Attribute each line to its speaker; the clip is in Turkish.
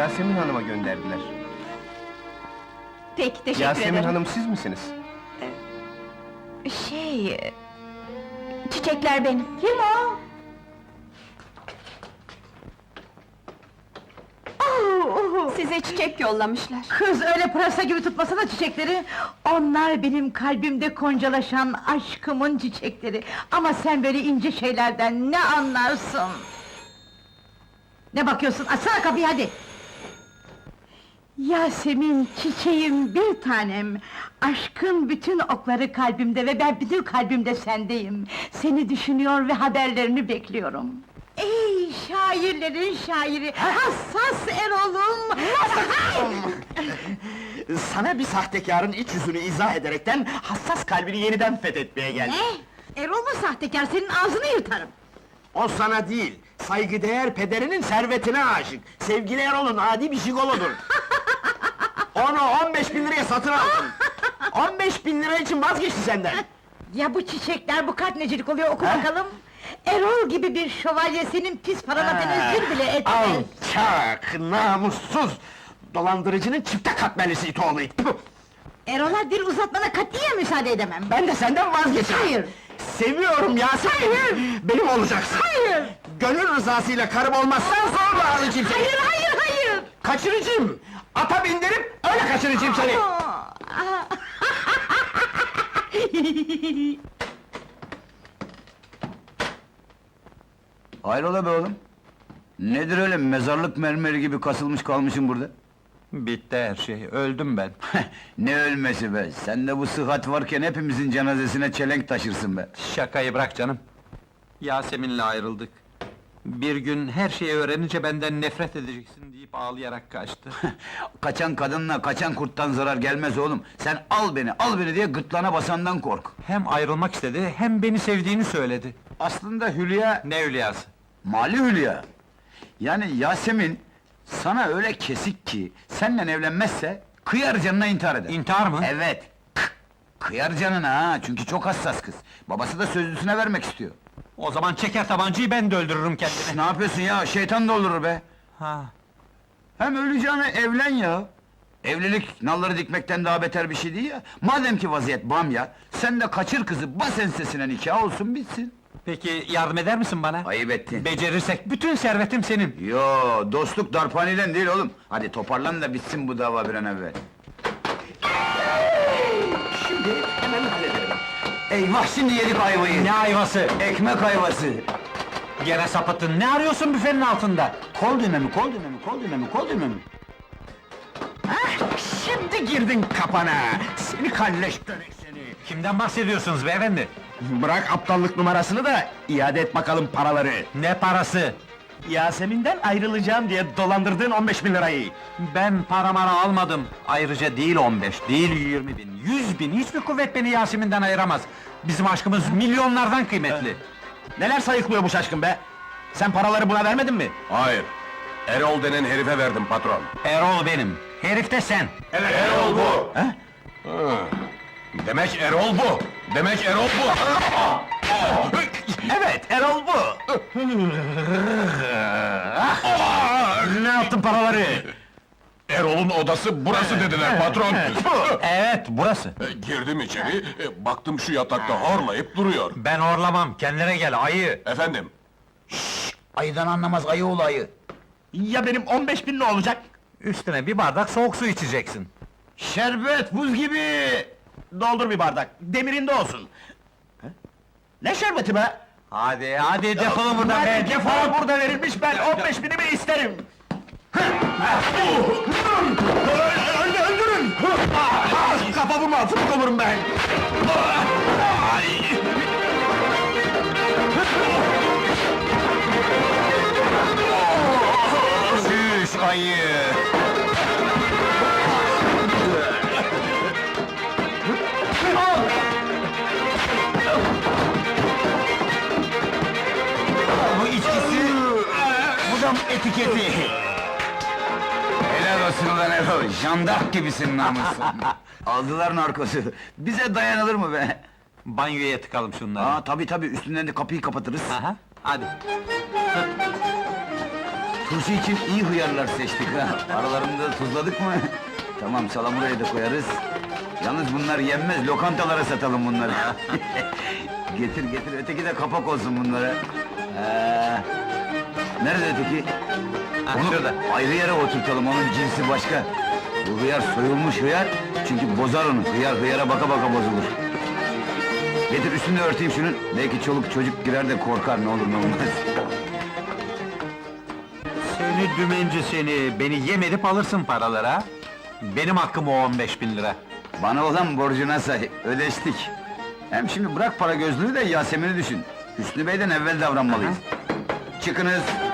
Speaker 1: Yasemin Hanım'a gönderdiler.
Speaker 2: Peki, teşekkür
Speaker 1: Yasemin
Speaker 2: ederim.
Speaker 1: Hanım siz misiniz?
Speaker 2: Çiçekler benim. Kim o? Size çiçek yollamışlar.
Speaker 3: Kız öyle pırasa gibi tutmasana çiçekleri! Onlar benim kalbimde koncalaşan aşkımın çiçekleri! Ama sen böyle ince şeylerden ne anlarsın? Ne bakıyorsun? Açsana kapıyı hadi! Yasemin, çiçeğim, bir tanem! Aşkın bütün okları kalbimde ve ben bütün kalbimde sendeyim! Seni düşünüyor ve haberlerini bekliyorum! Ey şairlerin şairi, hassas Erol'um!
Speaker 4: Sana bir sahtekarın iç yüzünü izah ederekten hassas kalbini yeniden fethetmeye geldim.
Speaker 3: Ne? Erol mu sahtekar, senin ağzını yırtarım!
Speaker 4: O sana değil, saygıdeğer pederinin servetine aşık. Sevgili Erol'un adi bir jigolodur. Onu 15.000 liraya satın aldım. 15.000 lira için vazgeçti senden.
Speaker 3: Ya bu çiçekler, bu kart necilik oluyor, oku bakalım! Erol gibi bir şövalye senin pis parana tenezzül bile etmez!
Speaker 4: Alçak, namussuz! Dolandırıcının çifte katmerlisi it oğlu it! Tüh!
Speaker 3: Erol'a dil uzatmana katiyen müsaade edemem!
Speaker 4: Ben de senden vazgeçerim!
Speaker 3: Hayır!
Speaker 4: Seviyorum Yasemin!
Speaker 3: Hayır!
Speaker 4: Benim olacaksın!
Speaker 3: Hayır!
Speaker 4: Gönül rızasıyla karım olmazsan zorla alacağım seni!
Speaker 3: Hayır, hayır, hayır!
Speaker 4: Kaçıracağım! Ata bindirip öyle kaçıracağım seni!
Speaker 5: Hayrola be oğlum? Nedir öyle mezarlık mermeri gibi kasılmış kalmışım burada?
Speaker 6: Bitti her şey, öldüm ben.
Speaker 5: Ne ölmesi be! Sen de bu sıhhat varken hepimizin cenazesine çelenk taşırsın be!
Speaker 6: Şakayı bırak canım. Yasemin'le ayrıldık. Bir gün her şeyi öğrenince benden nefret edeceksin deyip ağlayarak kaçtı.
Speaker 5: Kaçan kadınla kaçan kurttan zarar gelmez oğlum! Sen al beni diye gırtlağına basandan kork!
Speaker 6: Hem ayrılmak istedi, hem beni sevdiğini söyledi.
Speaker 5: Aslında Hülya,
Speaker 6: Ne Hülya'sı?
Speaker 5: Mali Hülya! Yani Yasemin, sana öyle kesik ki, seninle evlenmezse, kıyar canına intihar eder!
Speaker 6: İntihar mı?
Speaker 5: Evet! Kıyar canına ha, çünkü çok hassas kız! Babası da sözlüsüne vermek istiyor!
Speaker 6: O zaman çeker tabancayı, ben de öldürürüm kendimi.
Speaker 5: Ne yapıyorsun ya, şeytan doldurur be!
Speaker 6: Ha.
Speaker 5: Hem öleceğine evlen ya! Evlilik, nalları dikmekten daha beter bir şey değil ya! Madem ki vaziyet bamya, sen de kaçır kızı, bas ensesine nikah olsun bitsin!
Speaker 6: Peki yardım eder misin bana?
Speaker 5: Ayıp ettin!
Speaker 6: Becerirsek bütün servetim senin.
Speaker 5: Yo, dostluk darphaneden değil oğlum! Hadi toparlan da bitsin bu dava bir an evvel!
Speaker 4: Şimdi hemen hallederim.
Speaker 5: Eyvah, şimdi yedik ayvayı!
Speaker 6: Ne ayvası?
Speaker 5: Ekmek ayvası!
Speaker 6: Gene sapıttın, ne arıyorsun büfenin altında?
Speaker 5: Kol düğme mi?
Speaker 4: Şimdi girdin kapana! Seni kalleş dönek seni!
Speaker 6: Kimden bahsediyorsunuz beyefendi?
Speaker 4: Bırak aptallık numarasını da, iade et bakalım paraları!
Speaker 6: Ne parası?
Speaker 4: Yasemin'den ayrılacağım diye dolandırdığın 15.000 lirayı!
Speaker 6: Ben para mara almadım. Ayrıca değil 15, değil 20 bin, 100 bin, hiçbir kuvvet beni Yasemin'den ayıramaz. Bizim aşkımız milyonlardan kıymetli.
Speaker 4: Neler sayıklıyor bu şaşkın be? Sen paraları buna vermedin mi?
Speaker 1: Hayır. Erol denen herife verdim patron.
Speaker 6: Erol benim, herif de sen.
Speaker 1: Evet, Erol bu! Demek Erol bu! Demek Erol bu!
Speaker 4: Evet, Erol bu! Ne yaptın paraları?
Speaker 1: Erol'un odası burası dediler patron!
Speaker 6: Evet, burası.
Speaker 1: Girdim içeri, baktım şu yatakta horlayıp duruyor.
Speaker 6: Ben horlamam, kendine gel, ayı!
Speaker 1: Efendim,
Speaker 5: Ayıdan anlamaz, ayı oğlu ayı!
Speaker 4: Ya benim 15.000 ne olacak?
Speaker 6: Üstüne bir bardak soğuk su içeceksin.
Speaker 4: Şerbet, buz gibi! Doldur bir bardak, demirinde olsun! Ne şerbeti be?
Speaker 6: Hadi, hadi defolun buradan be,
Speaker 4: Defol
Speaker 6: defol!
Speaker 4: burada verilmiş, ben 15.000'imi isterim! Öldürün! Kafamı altına olurum ben!
Speaker 5: Şüş ayı! Bu içkisi, bu da etiketi! Helal olsun ulan Erol, jandark gibisin namusun! Aldılar narkosu, bize dayanılır mı be?
Speaker 6: Banyoya tıkalım şunları.
Speaker 5: Aa tabii üstünden de kapıyı kapatırız.
Speaker 6: Aha, hadi.
Speaker 5: Turşu için iyi hıyarlar seçtik ha. Aralarında da tuzladık mı? Tamam, salamurayı da koyarız. Yalnız bunlar yenmez, lokantalara satalım bunları. Getir getir, öteki de kapak olsun bunlara. Nerede öteki? Onu
Speaker 6: şurada.
Speaker 5: ayrı yere oturtalım, onun cinsi başka. Bu hıyar soyulmuş hıyar, çünkü bozar onu. Hıyar hıyara baka baka bozulur. Getir üstünü örteyim şunun, belki çoluk çocuk girer de korkar, ne olur ne olmaz.
Speaker 6: Seni dümenci seni, beni yem edip alırsın paralara. Benim hakkım o 15.000 lira.
Speaker 5: Bana olan borcuna say, ödeştik. Hem şimdi bırak para gözlüğü de Yasemin'i düşün. Hüsnü Bey'den evvel davranmalıyız. Çıkınız!